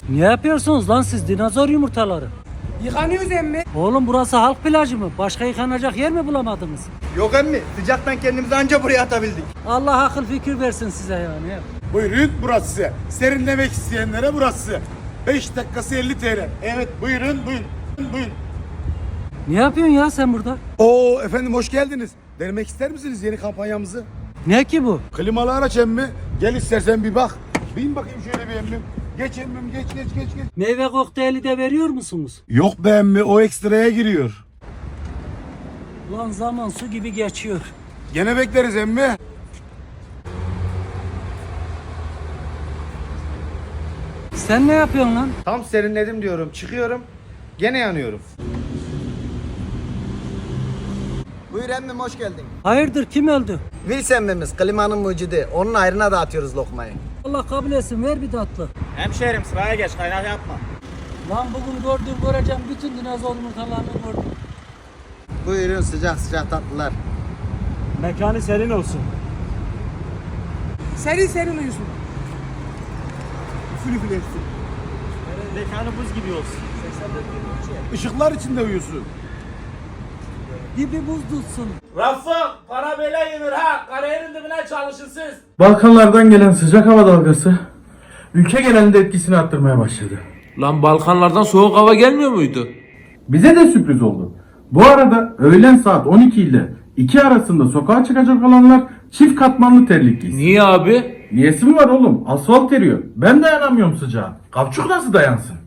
Ne yapıyorsunuz lan siz dinozor yumurtaları? Yıkanıyoruz emmi. Oğlum burası halk plajı mı? Başka yıkanacak yer mi bulamadınız? Yok emmi, sıcaktan kendimizi anca buraya atabildik. Allah akıl fikir versin size yani. Buyurun burası. Serinlemek isteyenlere burası. 5 dakikası 50 TL. Evet buyurun. Ne yapıyorsun ya sen burada? Oo efendim hoş geldiniz. Denemek ister misiniz yeni kampanyamızı? Ne ki bu? Klimalı araç emmi. Gel istersen bir bak. Bin bakayım şöyle bir emmim. Geç emmim geç. Meyve kokteyli de veriyor musunuz? Yok be emmi o ekstraya giriyor. Ulan zaman su gibi geçiyor. Gene bekleriz emmi. Sen ne yapıyorsun lan? Tam serinledim diyorum, çıkıyorum. Gene yanıyorum. Buyur emmim, hoş geldin. Hayırdır kim öldü? Vils emmimiz, klimanın mucidi. Onun ayrına dağıtıyoruz lokmayı. Allah kabul etsin ver bir tatlı. Hemşehrim sıraya geç, kaynak yapma. Lan bugün göreceğim bütün dinozor yumurtalarını gördüm. Buyurun sıcak tatlılar. Mekanı serin olsun. Serin uyusun. Mekanı buz gibi olsun. Işıklar içinde uyusun. Dibi buz tutsun. Rafım, para böyle yenir ha. Kariyerin dibine çalışın siz. Balkanlardan gelen sıcak hava dalgası ülke genelinde etkisini arttırmaya başladı. Lan Balkanlardan soğuk hava gelmiyor muydu? Bize de sürpriz oldu. Bu arada öğlen saat 12 ile 2 arasında sokağa çıkacak olanlar çift katmanlı terlik giysin. Niye abi? Niyesi mi var oğlum? Asfalt eriyor. Ben dayanamıyorum sıcağa. Kapçuk nasıl dayansın?